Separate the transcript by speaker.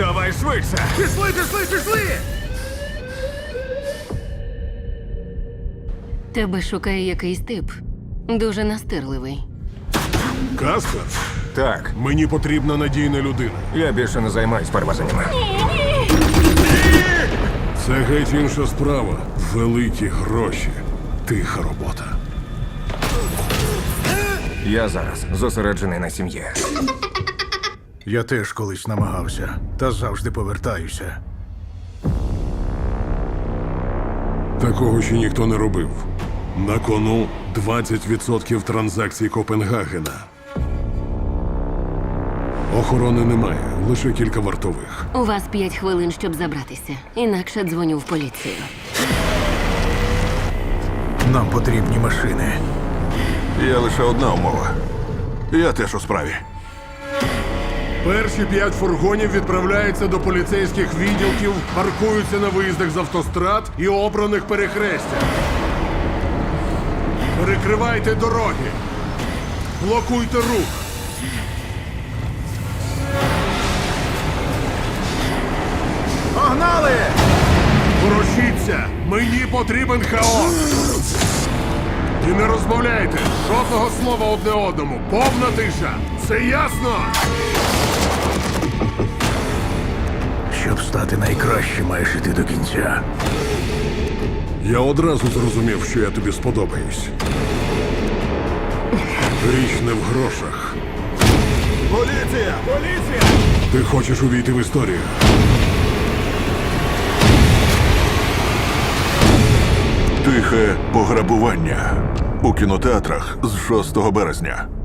Speaker 1: Давай швидше!
Speaker 2: Пішли!
Speaker 3: Тебе шукає якийсь тип. Дуже настирливий.
Speaker 1: Каспер,
Speaker 4: Так,
Speaker 1: мені потрібна надійна людина.
Speaker 4: я більше не займаюсь перевезеннями.
Speaker 1: Це геть інша справа. Великі гроші. Тиха робота.
Speaker 4: Я зараз зосереджений на сім'ї.
Speaker 2: Я теж колись намагався, та завжди повертаюся.
Speaker 1: Такого ще ніхто не робив. На кону 20% транзакцій Копенгагена. Охорони немає, лише кілька вартових.
Speaker 3: У вас 5 хвилин, щоб забратися. Інакше дзвоню в поліцію.
Speaker 2: Нам потрібні машини.
Speaker 5: Є лише одна умова. Я теж у справі.
Speaker 1: Перші 5 фургонів відправляються до поліцейських відділків, паркуються на виїздах з автострад і обраних перехрестях. Перекривайте дороги. Блокуйте рух.
Speaker 2: Погнали!
Speaker 1: Ворушіться! Мені потрібен хаос! І не розмовляйте! Жодного слова одне одному! Повна тиша! Це ясно?
Speaker 2: Щоб стати найкращим, маєш іти до кінця.
Speaker 1: Я одразу зрозумів, що я тобі сподобаюсь. Річ не в грошах.
Speaker 5: Поліція! Поліція!
Speaker 1: Ти хочеш увійти в історію.
Speaker 5: Тихе пограбування у кінотеатрах з 6 березня.